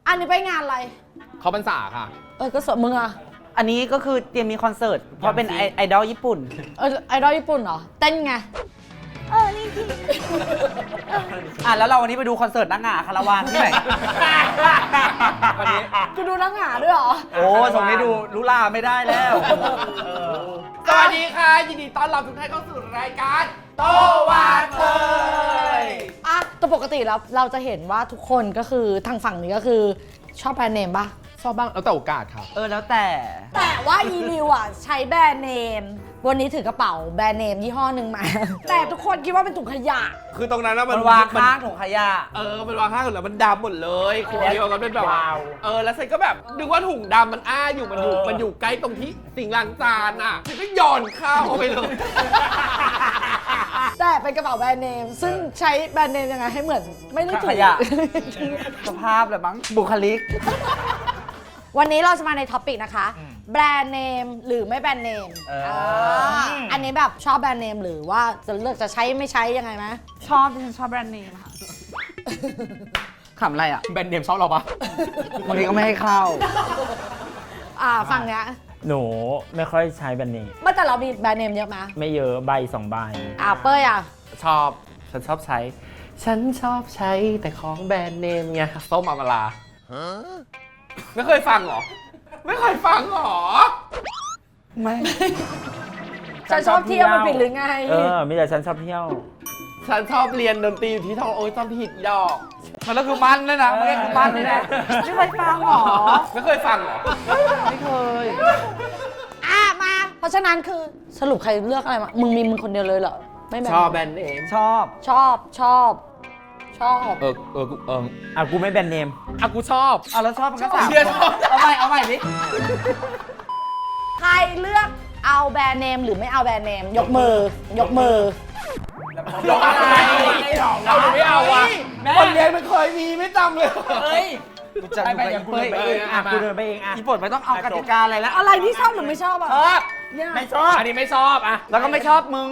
อันนี้ไปงานอะไรเขาพรรษาค่ะก็สวดมึงอะอันนี้ก็คือเตรียมมีคอนเสิร์ตเพราะเป็นไอดอลญี่ปุ่นไอดอลญี่ปุ่นเหรอ เต้นไงนี่ที่แล้วเราวันนี้ไปดูคอนเสิร์ตนางงาคาราวานที่ไหนวันนี้กูดูนักหนาด้วยเหรอโอ้ส่งให้ดูลุลาไม่ได้แล้วสวัสดีค่ะ ยินดีต้อนรับทุกท่านเข้าสู่รายการโตวาเทยแต่ปกติแล้วเราจะเห็นว่าทุกคนก็คือทางฝั่งนี้ก็คือชอบแบรนด์เนมป่ะชอบบ้างแล้วแต่โอกาสครับแล้วแต่แต่ว่าอีริวอ่ะใช้แบรนด์เนม วันนี้ถือกระเป๋าแบรนด์เนมยี่ห้อหนึ่งมา แต่ทุกคนคิดว่าเป็นถุงขยะคือตรงนั้นนะมันวางข้างถุงขยะมันวางข้างแล้วมันดำหมดเลยขวดเดียวกันเป็นแบบว้าวแล้วฉันก็แบบนึกว่าถุงดำมันอ้าอยู่มันอยู่ใกล้ตรงที่สิ่งล้างจานอ่ะฉันก็โยนข้าวเข้าไปเลยแต่เป็นกระเป๋าแบรนด์เนม ซึ่งใช้แบรนด์เนมยังไงให้เหมือนไม่ได้ถูขกยะ สภาพเลยมั้งบุคลิกวันนี้เราจะมาในท็อปิกนะคะ แบรนด์เนมหรือไม่แบรนด์เนมอันนี้แบบชอบแบรนด์เนมหรือว่าจะเลือกจะใช้ไม่ใช้ยังไงไหมชอบที่ฉันชอบแบรนด์เนมค่ะขำอะไรอ่ะแบรนด์เนมชอบเราปะบางทีก็ไม่ให้เข้าฝั่งเนี้ยหนูไม่ค่อยใช้แบรนด์เนมเมื่อแต่เรามีแบรนด์เนมเยอะไหมไม่เยอะใบ2 ใบเป้ยอ่ะชอบฉันชอบใช้แต่ของแบรนด์เนมไงส้มอมราไม่เคยฟังเหรอ ไม่เคยฟังเหรอไม่ฉันชอบเที่ยวมันผิดหรือไงมีแต่ฉันชอบเที่ยวฉันชอบเรียนดนตรีอยู่ที่ทองโอ้ยต้องผิดดอกมันแล้วคือมันเลยนะมันคือมันเลยนะไม่เคยฟังหรอไม่เคยฟังเหรอไม่เคยมา เพราะฉะนั้นคือสรุปใครเลือกอะไรมา มึงคนเดียวเลยเหรอ ไม่แบรนชอบด์แบรนด์เนมชอบชอบกูไม่แบรนด์เนมกูชอบแล้วชอบมันก็สามเชียร์ชอบเอาใหม่ดิใครเลือกเอาแบรนด์เนมหรือไม่เอาแบรนด์เนม ยกมือยกอะไรเราไม่เอาว่ะคนเรียนมันเคยมีไม่จำเลยกูจะไปอย่างกูเดินไปเองกูเดินไปเองอ่ะอีปดไม่ต้องเอากติกาอะไรแล้วอะไรที่ชอบหรือไม่ชอบอ่ะชอบเนี่ยไม่ชอบอันนี้ไม่ชอบอ่ะแล้วก็ไม่ชอบมึง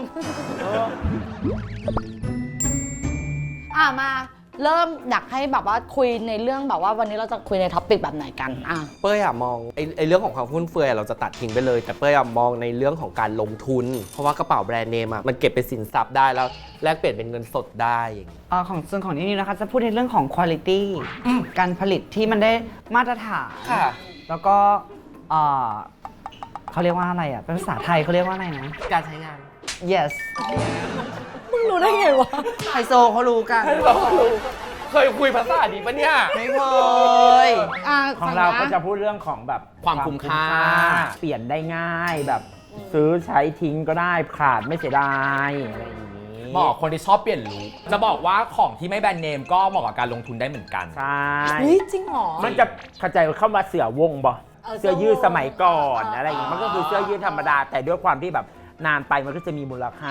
มาเริ่มอยากให้แบบว่าคุยในเรื่องแบบว่าวันนี้เราจะคุยในท็อปปิกแบบไหนกันเป้ยมองไอ้เรื่องของความฟุ่มเฟือยเราจะตัดทิ้งไปเลย แต่เป้ยมองในเรื่องของการลงทุน เพราะว่ากระเป๋าแบรนด์เนมมันเก็บเป็นสินทรัพย์ได้แล้วแลกเปลี่ยนเป็นเงินสดได้อย่างนี้ของส่วนของนี่นะคะจะพูดในเรื่องของคุณภาพการผลิตที่มันได้มาตรฐานค่ะแล้วก็เขาเรียกว่าอะไรอ่ะเป็นภาษาไทยเขาเรียกว่าอะไรนะการใช้งาน yes มึงรู้ได้ไงวะไฮโซเขารู้กันเคยคุยภาษาดีปะเนี่ยไม่เคยของเราก็จะพูดเรื่องของแบบความคุ้มค่าเปลี่ยนได้ง่ายแบบซื้อใช้ทิ้งก็ได้ขาดไม่เสียดายอะไรอย่างนี้เหมาะกับคนที่ชอบเปลี่ยนลุคจะบอกว่าของที่ไม่แบรนด์เนมก็เหมาะกับการลงทุนได้เหมือนกันใช่เฮ้ยจริงเหรอมันจะเข้าใจเข้ามาเสือวงบ่ เสื้อยืดสมัยก่อนเออออะไรอย่างงี้มันก็คือเสื้อยืดธรรมดา แต่ด้วยความที่แบบนานไปมันก็จะมีมูลค่า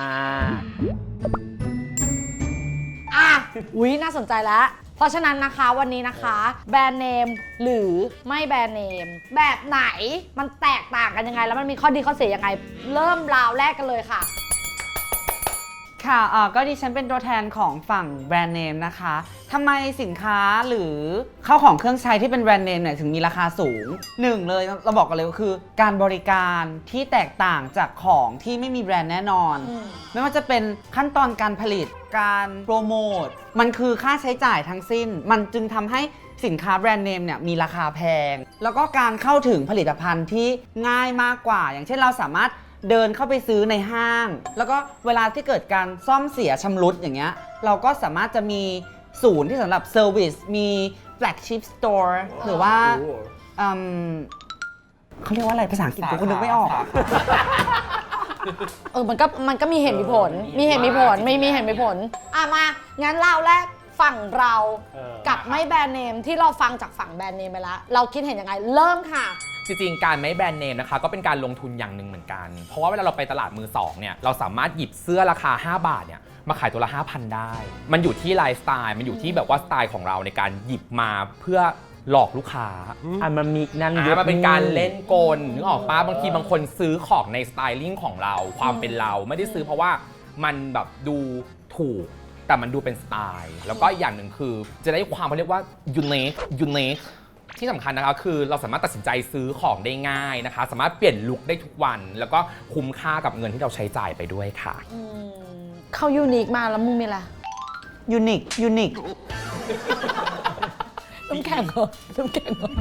น่าสนใจแล้ว เพราะฉะนั้นนะคะวันนี้นะคะ แบรนด์เนมหรือไม่แบรนด์เนม แบบไหนมันแตกต่างกันยังไง แล้วมันมีข้อดีข้อเสียยังไง เริ่มราวแรกกันเลยค่ะค่ะก็ดิฉันเป็นตัวแทนของฝั่งแบรนด์เนมนะคะทำไมสินค้าหรือข้าวของเครื่องใช้ที่เป็นแบรนด์เนมเนี่ยถึงมีราคาสูงหนึ่งเลยเราบอกกันเลยก็คือ การบริการที่แตกต่างจากของที่ไม่มีแบรนด์แน่นอน ไม่ว่าจะเป็นขั้นตอนการผลิตการโปรโมทมันคือค่าใช้จ่ายทั้งสิ้น มันจึงทำให้สินค้าแบรนด์เนมเนี่ยมีราคาแพง แล้วก็การเข้าถึงผลิตภัณฑ์ที่ง่ายมากกว่า อย่างเช่นเราสามารถเดินเข้าไปซื้อในห้าง แล้วก็เวลาที่เกิดการซ่อมเสียชำรุดอย่างเงี้ยเราก็สามารถจะมีศูนย์ที่สำหรับเซอร์วิสมีแฟลกชิพสโตร์หรือว่าเขาเรียกว่าอะไรภาษาอังกฤษกูก็นึกไม่ออกมันก็มีเหตุมีผล มีเหตุมีผล ไม่มีเหตุมีผล มางั้นราวแรกฝั่งเรากับไม่แบรนด์เนมที่เราฟังจากฝั่งแบรนด์เนมไปแล้ว เราคิดเห็นยังไง เริ่มค่ะจริงๆ การไม่แบรนด์เนมนะคะก็เป็นการลงทุนอย่างหนึ่งเหมือนกัน เพราะว่าเวลาเราไปตลาดมือสองเนี่ยเราสามารถหยิบเสื้อราคา5 บาทเนี่ยมาขายตัวละ 5,000 ได้ มันอยู่ที่ไลฟ์สไตล์มันอยู่ที่แบบว่าสไตล์ของเราในการหยิบมาเพื่อหลอกลูกค้ามันมีนั่นมันเป็นการเล่นกลนึกออกปะบางทีบางคนซื้อของในสไตลิ่งของเราความเป็นเราไม่ได้ซื้อเพราะว่ามันแบบดูถูกแต่มันดูเป็นสไตล์แล้วก็อย่างหนึ่งคือจะได้ความเขาเรียกว่า unique ที่สำคัญนะคะคือเราสามารถตัดสินใจซื้อของได้ง่ายนะคะ สามารถเปลี่ยนลุคได้ทุกวัน แล้วก็คุ้มค่ากับเงินที่เราใช้จ่ายไปด้วยค่ะเข้ายูนิคมาแล้วมึงมีอะไรยูนิคน้ำแข็งเหรอน้ำแข็งเหรอ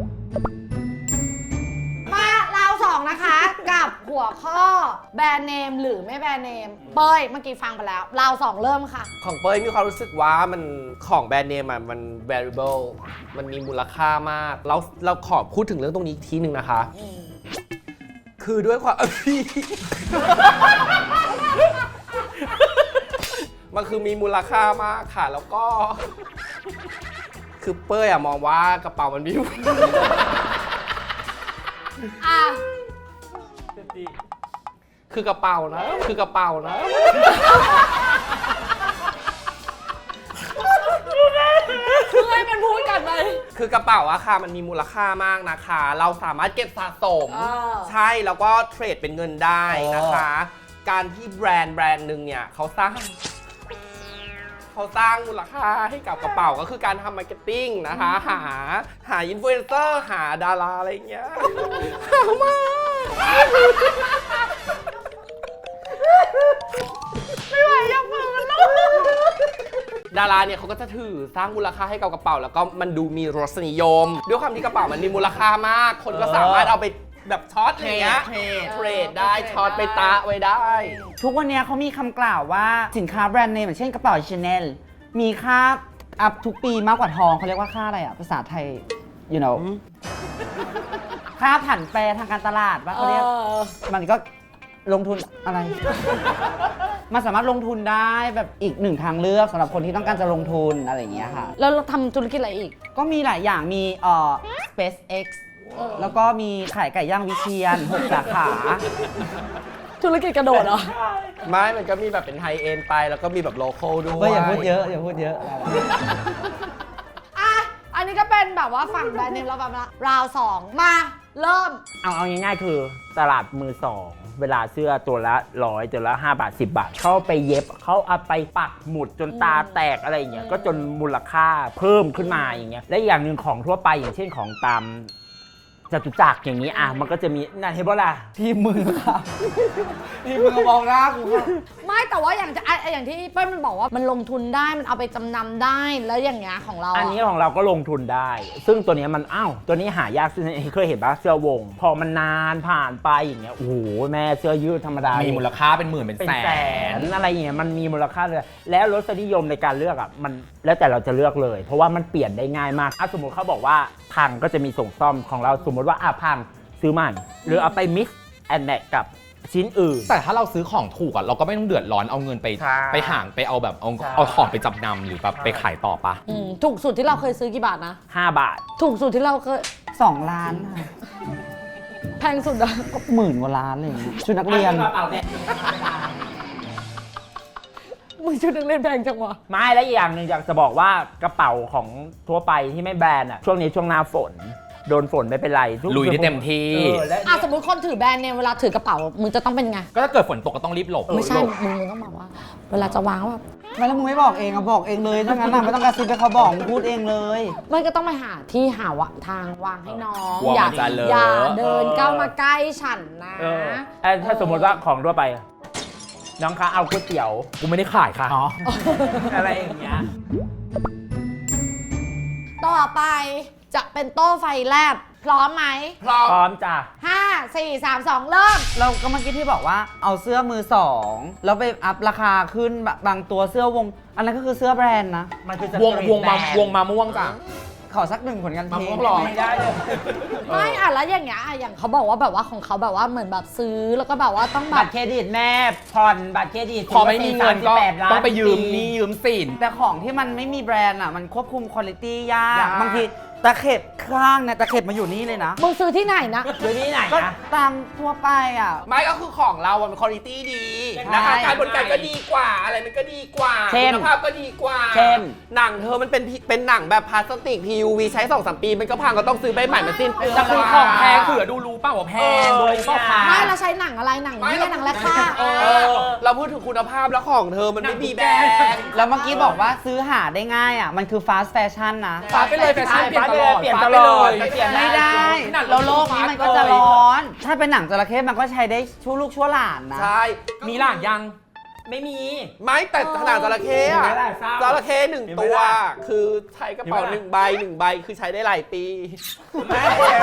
มาเราสองนะคะ กับหัวข้อแบรนด์เนมหรือไม่แบรนด์เนม เป้ยเมื่อกี้ฟังไปแล้ว เราสองเริ่มค่ะของเป้ยมีความรู้สึกว่ามันของแบรนด์เนมอะมัน variable มันมีมูลค่ามากแล้วเราขอพูดถึงเรื่องตรงนี้อีกทีหนึ่งนะคะ คือด้วยความ พี่ มันคือมีมูลค่ามากค่ะ แล้วก็ คือเป้ยอะมองว่ากระเป๋ามันมีอ่ะคือกระเป๋านะ คือกระเป๋านะคือให้มันพูดกันเลยคือกระเป๋าอะค่ะมันมีมูลค่ามากนะคะ เราสามารถเก็บสะสม ใช่แล้วก็เทรดเป็นเงินได้นะคะ การที่แบรนด์หนึ่งเนี่ยเขาสร้างมูลค่าให้กับกระเป๋าก็คือการทำมาร์เก็ตติ้งนะคะ หาอินฟลูเอนเซอร์หาดาราอะไรอย่างเงี้ยหามากไม่ไหวอยากฝืนแล้วดาราเนี่ยเขาก็จะถือสร้างมูลค่าให้กับกระเป๋าแล้วก็มันดูมีรสนิยม ด้วยความที่กระเป๋ามันมีมูลค่ามาก คนก็สามารถเอาไปแบบช็อตอย่างเงี้ยเทรดได้ช็อตไปตะไว้ได้ทุกวันนี้เขามีคำกล่าวว่าสินค้าแบรนด์เนมอย่างเช่นกระเป๋า Chanel มีค่าอัพทุกปีมากกว่าทองเขาเรียกว่าค่าอะไรภาษาไทย you know ค่าผันแปรทางการตลาดว่าเขาเรียกมันก็ลงทุนอะไร มันสามารถลงทุนได้แบบอีกหนึ่งทางเลือกสำหรับคนที่ต้องการจะลงทุนอะไรอย่างเงี้ยค่ะแล้วเราทำธุรกิจอะไรอีกก็มีหลายอย่างมีSpaceX แล้วก็มีขายไก่ย่างวิเชียร6 สาขาธุรกิจกระโดดเหรอไม่มันก็มีแบบเป็นไฮเอ็นไปแล้วก็มีแบบโลคอลด้วยอย่าพูดเยอะอย่าพูดเยอะอ่ะ อันนี้ก็เป็นแบบว่าฝั่งแบรนด์เนมเราแบบราวสองมาเริ่มเอาง่ายๆคือตลาดมือสองเวลาเสื้อตัวละ100ตัวละ5 บาท 10 บาท เขาไปเย็บเขาเอาไปปักหมุดจนตาแตกอะไรอย่างเงี้ยก็จนมูลค่าเพิ่มขึ้นมาอย่างเงี้ยและอย่างหนึ่งของทั่วไปอย่างเช่นของตามจตุจักรอย่างนี้มันก็จะมีนั่นเห็นป่ะล่ะทีมมือค่ะทีมมือมองหน้ากูไม่แต่ว่าอย่างที่เปิ้ลมันบอกว่ามันลงทุนได้มันเอาไปจำนำได้แล้วอย่างเงี้ยของเราอันนี้ของเราก็ลงทุนได้ ซึ่งตัวนี้มันตัวนี้หายากซึ่งเคยเห็นป่ะเสื้อวง พอมันนานผ่านไปอย่างเงี้ยโอ้โหแม่เสื้อยืดธรรมดามีมูลค่าเป็นหมื่นเป็นเป็นแสแสนนอะไรอย่างเงี้ยมันมีมูลค่าเลยแล้วรสนิยมในการเลือกมันแล้วแต่เราจะเลือกเลย เพราะว่ามันเปลี่ยนได้ง่ายมากสมมติเขาบอกว่าพังก็จะมีส่งซ่อมของเราสมมติว่าพังซื้อใหม่หรือเอาไป mix and match กับชิ้นอื่นแต่ถ้าเราซื้อของถูกเราก็ไม่ต้องเดือดร้อนเอาเงินไปใช่ไปห่างไปเอาแบบเอาใช่เอาของไปจำนำหรือแบบไปขายต่อปะถูกสุดที่เราเคยซื้อกี่บาทนะ 5 บาทถูกสุดที่เราเคย 2 ล้านค่ะแพงสุดอะก็10,000 กว่าล้านอะไรอย่างเงี้ยชุดนักเรียนมึงชุดนักเรียนแพงจังวะไม่และอีกอย่างหนึ่งอยากจะบอกว่ากระเป๋าของทั่วไปที่ไม่แบรนด์ช่วงนี้ช่วงหน้าฝนโดนฝนไม่เป็นไรทุกลุยได้เต็มที่และสมมติคนถือแบรนด์เนี่ยเวลาถือกระเป๋ามึงจะต้องเป็นไงก็ถ้าเกิดฝนตกก็ต้องรีบหลบไม่ใช่มึงต้องบอกว่า เวลาจะวางแบบไม่แล้วมึงไม่บอกเองบอกเองเลยถ้างั้นไม่ต้องกระซิบให้เขาบอกมึงพูดเองเลยไม่ก็ต้องไปหาที่หาวะทางวางให้น้องกลัวอย่ามันจะเลอะอย่าเดินก้าวมาใกล้ฉันนะถ้าสมมติว่าของทั่วไปน้องคะเอาก๋วยเตี๋ยวกูไม่ได้ขายค่ะอะไรอย่างเงี้ยต่อไปจะเป็นโต้ไฟแลบพร้อมไหมพร้อมพร้อมจ้ะ 5 4 3 2 เริ่มเราก็เมื่อกี้ที่บอกว่าเอาเสื้อมือสองแล้วไปอัพราคาขึ้นบางตัวเสื้อวง อันนั้นก็คือเสื้อแบรนด์นะมันคือวงมาม่วงจ้ะขอสักหนึ่งผลงานเพลงมะม่วงหรอไม่ได้เลยไม่แล้วอย่างเงี้ยอย่างเขาบอกว่าแบบว่าของเขาแบบว่าเหมือนแบบซื้อแล้วก็แบบว่าต้องแบบับตรเครดิตแม่ผ่อนบัตรเครดิตพอไม่มีเงินก็ 38ล้านต้องไปยืมหนี้ยืมสินแต่ของที่มันไม่มีแบรนด์มันควบคุมคุณภาพยากยากบางทีตะเข็บข้างเนี่ยตะเข็บมาอยู่นี่เลยนะมึงซื้อที่ไหนนะหรือที่ไหนก็นะตามทั่วไปไม่ก็คือของเรามันคุณภาพดีนะคะใช่การบริการก็ดีกว่าอะไรมันก็ดีกว่าเช่นคุณภาพก็ดีกว่าเช่นหนังเธอมันเป็นหนังแบบพลาสติก PUV ใช้ 2-3 ปีมันก็พังก็ต้องซื้อใบใหม่มาสิ้นเปลืองแต่คือของแพงเผื่อดูรู้เปล่าว่าแพงโดยเปล่าคะไม่เราใช้หนังอะไรหนังนี่หนังแรกค่ะเราพูดถึงคุณภาพแล้วของเธอมันไม่มีแบรนด์แล้วเมื่อกี้บอกว่าซื้อหาได้ง่ายมันคือ fast fashion นะฝากไปเลยแฟชั่นเปลี่ยนไปเลยเปลี่ยนตลอดเปเปลี่ลี่ยยนนได้ไม่ได้หนังแล้วโลกนี้มันก็จะร้อน ถ้าเป็นหนังจระเข้มันก็ใช้ได้ชั่วลูกชั่วหลานนะใช่มีหลานยังไม่มีไม่แต่ขนาดจระเข้มีอะไหมล่ะเศร้าจระเข้หนึ่งมีไหมตัวล่ะคือใช้กระเป๋ามีไหมล่ะหนึ่งใบคือใช้ได้หลายปีไม่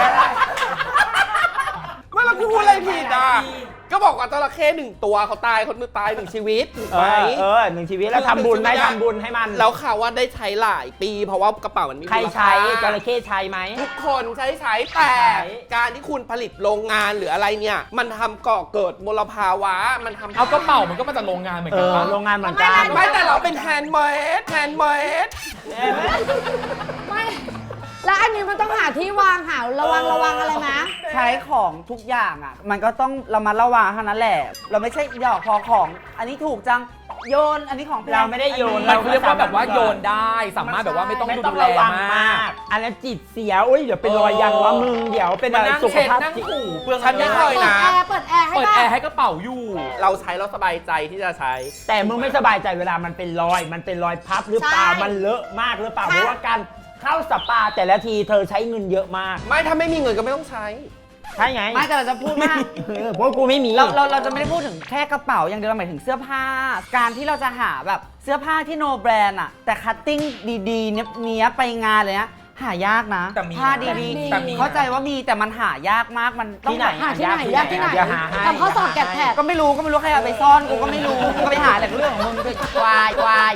ไม่เราคือพูดอะไรผิดอ่ะ ก็บอกว่าจระเข้หนึ่งตัวเขาตายคนนึงตายหนึ่งชีวิตถูกไหมหนึ่งชีวิตแล้วทำบุญไหมทำบุญให้มันแล้วเขาว่าได้ใช้หลายปี เพราะว่ากระเป๋ามันมีใครมูลใช้ค่าจระเข้ใช้ไหมทุกคนใช้แต่ใช้การที่คุณผลิตโรงงานหรืออะไรเนี่ย มันทำก่อเกิดมลภาวะมันทำเอากระเป๋ามันก็มาจากโรงงานเหมือนกันปะโรงงานเหมือนกันไม่แต่เราเป็นแฮนด์เมดไม่แล้วอันนี้มันต้องหาที่วางหาระวังอะไรไหมใช้ของทุกอย่างอ่ะ มันก็ต้องเรามาระวังเท่านั้นแหละ เราไม่ใช่หยอกพอของ อันนี้ถูกจังโยนอันนี้ของแพงเราไม่ได้โยนมันเรียกว่าแบบว่าโยนได้ สามารถแบบว่าไม่ต้องไม่ดูต้องแลระวังมามาก ก อันนั้นจิตเสียอุ้ยเดี๋ยวเป็นรอยยังว่ามึงเดี๋ยวเป็นมาอะไรนั่งสุขเช็ดภาพนั่งจิตถูเปลืองฉันไม่เคยเปิดนะแอร์เปิดแอร์ให้เปิดป่ะแอร์ให้กระเป๋าอยู่เราใช้แล้วสบายใจที่จะใช้แต่มึงไม่สบายใจเวลามันเป็นรอย มันเป็นรอยพับหรือเปล่าใช่มันเลอะมากหรือเปล่าค่ะเพราะว่าการเข้าสปาแต่ละทีเธอใช้เงินเยอะมากไม่ถ้าไม่มีเงินก็ไม่ต้องใช้ใช่ไงไม่แต่เราจะพูดว่าเพราะกูไม่มีเราจะไม่ได้พูดถึงแค่กระเป๋าอย่างเดียวเราหมายถึงเสื้อผ้า การที่เราจะหาแบบเสื้อผ้าที่โนแบรนด์อะแต่คัตติ้งดีๆเนี้ยบไปงานเลยนะหายากนะแต่มีผ้านะดีแต่มีๆเข้าใจว่ามีแต่มันหายากมากมันต้องที่ไหนแบบหาที่ไหนยากที่ไหนอย่าหาให้ทำข้อสอบแกะแผดก็ไม่รู้ใครเอาไปซ่อนกูก็ไม่รู้กูก็ไปหาแต่เรื่องของมึงไปวาย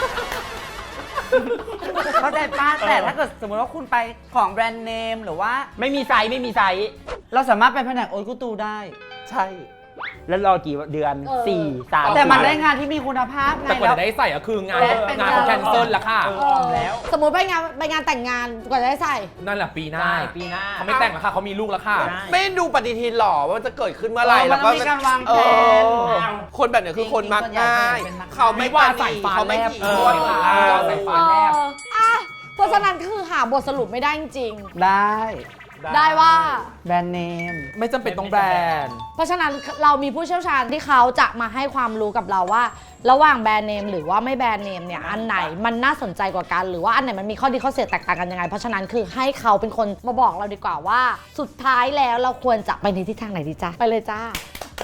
เข้าใจป้าแต่ถ้าเกิดสมมติว่าคุณไปของแบรนด์เนมหรือว่าไม่มีไซส์ไม่มีไซส์เราสามารถไปแผนกโอ๊ตกูตูได้ใช่แล้วรอกี่เดือน 4 3 แต่มันได้งานที่มีคุณภาพไงแต่กว่าแล้วจะได้ใส่ก็คืองานและเป็นงานเขาแคนเซิลแล้วค่ะแล้วสมมติไปงานแต่งงานกว่าจะได้ใส่นั่นแหละปีหน้าใช่ปีหน้าเขาไม่แต่งแล้วค่ะเขามีลูกแล้วค่ะได้ไม่ดูปฏิทินหรอว่ามันจะเกิดขึ้นเมื่อไหร่มันต้องมีการวางแผนคนแบบเนี้ยคือคนมักง่ายจริงๆส่วนใหญ่เป็นมักง่ายเขาไม่ไม่ว่าปาใส่นีฟ้าเขาไม่แลบถี่เอคอนใส่ฟ้าแลบเพราะฉะนั้นคือหาบทสรุปไม่ได้จริงได้ได้ว่าแบรนด์เนมไม่จำเป็นต้องแบรนด์เพราะฉะนั้นเรามีผู้เชี่ยวชาญที่เขาจะมาให้ความรู้กับเราว่า ระหว่างแบรนด์เนมหรือว่าไม่แบรนด์เนมเนี่ยอันไหนมันน่าสนใจกว่ากันหรือว่าอันไหนมันมีข้อดีข้อเสียแตกต่างกันยังไงเพราะฉะนั้นคือให้เขาเป็นคนมาบอกเราดีกว่าว่า สุดท้ายแล้วเราควรจะไปในทิศทางไหนดีจ้าไปเลยจ้า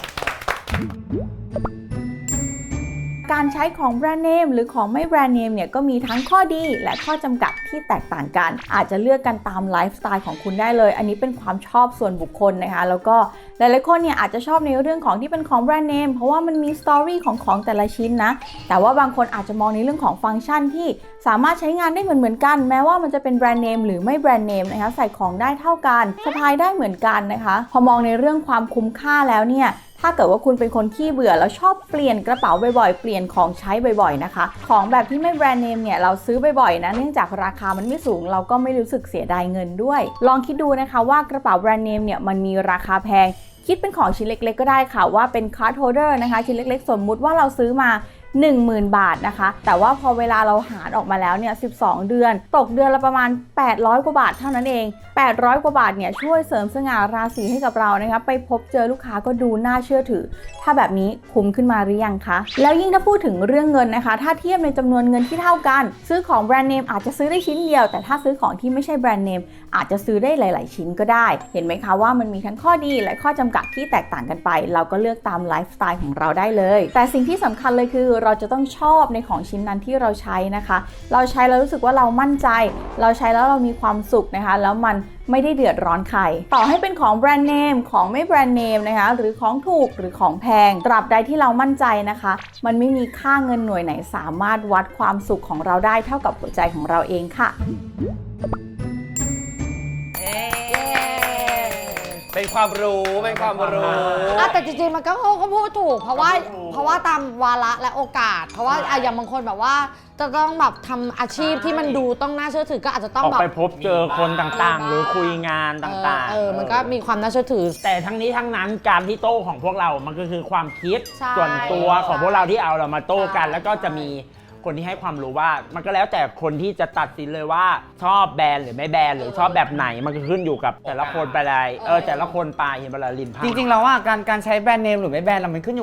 การใช้ของแบรนด์เนมหรือของไม่แบรนด์เนมเนี่ยก็มีทั้งข้อดีและข้อจำกัดที่แตกต่างกัน อาจจะเลือกกันตามไลฟ์สไตล์ของคุณได้เลย อันนี้เป็นความชอบส่วนบุคคลนะคะแล้วก็หลายๆคนเนี่ยอาจจะชอบในเรื่องของที่เป็นของแบรนด์เนมเพราะว่ามันมีสตอรี่ของแต่ละชิ้นนะแต่ว่าบางคนอาจจะมองในเรื่องของฟังก์ชันที่สามารถใช้งานได้เหมือนกันแม้ว่ามันจะเป็นแบรนด์เนมหรือไม่แบรนด์เนมนะคะใส่ของได้เท่ากันสะพายได้เหมือนกันนะคะพอมองในเรื่องความคุ้มค่าแล้วเนี่ยถ้าเกิดว่าคุณเป็นคนขี้เบื่อแล้วชอบเปลี่ยนกระเป๋าบ่อยๆเปลี่ยนของใช้บ่อยๆนะคะของแบบที่ไม่แบรนด์เนมเนี่ยเราซื้อบ่อยๆนะเนื่องจากราคามันไม่สูงเราก็ไม่รู้สึกเสียดายเงินด้วยลองคิดดูนะคะว่ากระเป๋าแบรนด์เนมเนี่ยมันมีราคาแพงคิดเป็นของชิ้นเล็กๆก็ได้ค่ะว่าเป็นคาร์ดโฮลเดอร์นะคะชิ้นเล็กๆสมมุติว่าเราซื้อมา 10,000 บาทนะคะแต่ว่าพอเวลาเราหารออกมาแล้วเนี่ย12 เดือนตกเดือนละประมาณ800กว่าบาทเท่านั้นเอง800กว่าบาทเนี่ยช่วยเสริมสง่าราศีให้กับเรานะคะไปพบเจอลูกค้าก็ดูน่าเชื่อถือถ้าแบบนี้คุ้มขึ้นมาหรือยังคะแล้วยิ่งถ้าพูดถึงเรื่องเงินนะคะถ้าเทียบในจำนวนเงินที่เท่ากันซื้อของแบรนด์เนมอาจจะซื้อได้ชิ้นเดียวแต่ถ้าซื้อของที่ไม่ใช่แบรนด์เนมอาจจะซื้อได้หลายๆชิ้นก็ได้เห็นไหมคะว่ามันมีทั้งข้อดีและข้อจำกัดที่แตกต่างกันไปเราก็เลือกตามไลฟ์สไตล์ของเราได้เลยแต่สิ่งที่สำคัญเลยคือเราจะต้องชอบในของชิ้นนั้นที่เราใช้นะคะเราใช้แล้วรู้สึกว่าเรามั่นใจเราใช้แล้วเรามีความสุขนะคะแล้วมันไม่ได้เดือดร้อนใครต่อให้เป็นของแบรนด์เนมของไม่แบรนด์เนมนะคะหรือของถูกหรือของแพงตราบใดที่เรามั่นใจนะคะมันไม่มีค่าเงินหน่วยไหนสามารถวัดความสุขของเราได้เท่ากับหัวใจของเราเองค่ะเป็นความรู้เป็นความรู้แต่จริงๆมันก็เขาพูดถูกเพราะว่าตามวาระและโอกาส เพราะว่าอย่างบางคนแบบว่าจะต้องแบบทำอาชีพที่มันดูต้องน่าเชื่อถือก็อาจจะต้องออกแบบไปพบเจอคนต่างๆ หรือคุยงานต่างๆมันก็มีความน่าเชื่อถือแต่ทั้งนี้ทั้งนั้นการที่โต้ของพวกเรามันก็คือความคิดใช่ส่วนตัวของพวกเราที่เอาเรามาโต้กันใช่แล้วก็จะมีคนที่ให้ความรู้ว่ามันก็แล้วแต่คนที่จะตัดสินเลยว่าชอบแบรนด์หรือไม่แบรนด์หรือชอบแบบไหนมันก็ขึ้นอยู่กับแต่ละคนไปเลยแต่ละคนไปเห็นเวลาลินพาจริงๆแล้วอ่ะการใช้แบรนด์เนมหรือไม่แบรนด์เรามันขึ้นอยู่กับ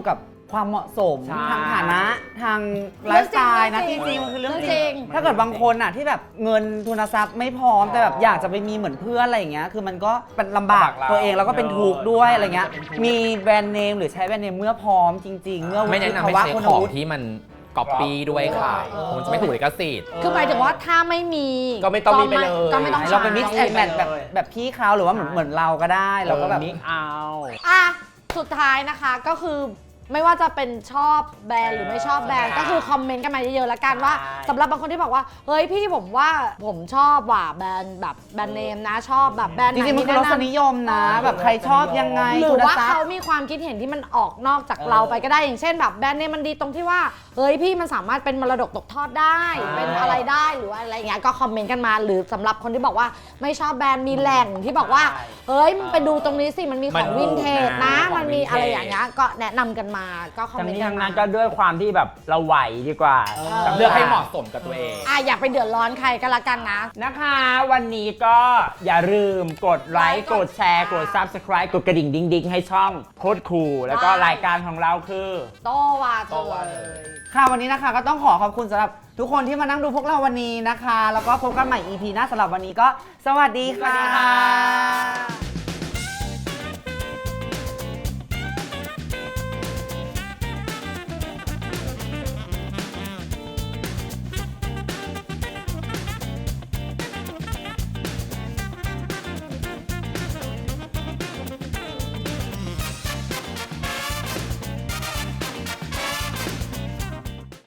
ความเหมาะสมใช่ทางฐานะทางไลฟ์สไตล์นะเรื่จองจริริงงๆมันคือเรื่องเรื่จองจริริงงถ้าเกิดบางคนอ่ะที่แบบเงินทุนทรัพย์ไม่พร้อมแต่แบบอยากจะไปมีเหมือนเพื่อนอะไรอย่างเงี้ยคือมันก็เป็นลำบากตัวเองแล้วก็เป็นทุกข์ด้วยอะไรเงี้ยมีแบรนด์เนมหรือใช้แบรนด์เนมเมื่อพร้อมจริง ๆ เมื่อวุไม่แนะฒินำภาให้วะใช้คุณของวุฒิที่มันก๊อปปี้ด้วยค่ะมันจะไม่ถูกลิขสิทธิ์คือหมายถึงว่าถ้าไม่มีก็ไม่ต้องมีไปเลยก็ไม่ต้องเราไปใช้ mix and match แบบพี่เขาหรือว่าเหมือนเราก็ได้เราก็แบบมิกเอาอ่ะสุดท้ายนะคะก็คือไม่ว่าจะเป็นชอบแบรนด์หรือไม่ชอบแบรนด์ก็คือคอมเมนต์กันมาเยอะๆแล้วกันว่าสำหรับบางคนที่บอกว่าเฮ้ยพี่ผมว่าผมชอบว่ะแบรนด์แบบแบรนด์เนมนะชอบแบบแบรนด์จไหนริงๆมันคือรสนิยมนะ แบบใครชอบยังไงหรือว่าทุนทรัพย์เขามีความคิดเห็นที่มันออกนอกจากเราไปก็ได้อย่างเช่นแบบแบรนด์เนมมันดีตรงที่ว่าเฮ้ยพี่มันสามารถเป็นมรดกตกทอดได้เป็นอะไรได้หรือว่าอะไรเงี้ยก็คอมเมนต์กันมาหรือสำหรับคนที่บอกว่าไม่ชอบแบรนด์มีแหล่งที่บอกว่าเฮ้ยมันไปดูตรงนี้สิมันมีของวินเทจนะมันมีอะไรอย่างเงี้ยก็แนะนำกันมาก็คอมทั้งเมนต์นี้กันทั้งมานั้นก็ด้วยความที่แบบเราไหวดีกว่าเลือกให้เหมาะสมกับตัวเองอย่าไปเดือดร้อนใครก็แล้วกันนะนะคะ วันนี้ก็อย่าลืมกดไลค์กดแชร์กด Subscribe กดกระดิ่งดิ้งๆ ให้ช่องโคตรคูลแล้วก็รายการของเราคือโตว่าเธอค่ะวันนี้นะคะก็ต้องขอบคุณสำหรับทุกคนที่มานั่งดูพวกเราวันนี้นะคะ แล้วก็พบกันใหม่ EP หน้าสำหรับวันนี้ก็สวัสดีค่ะ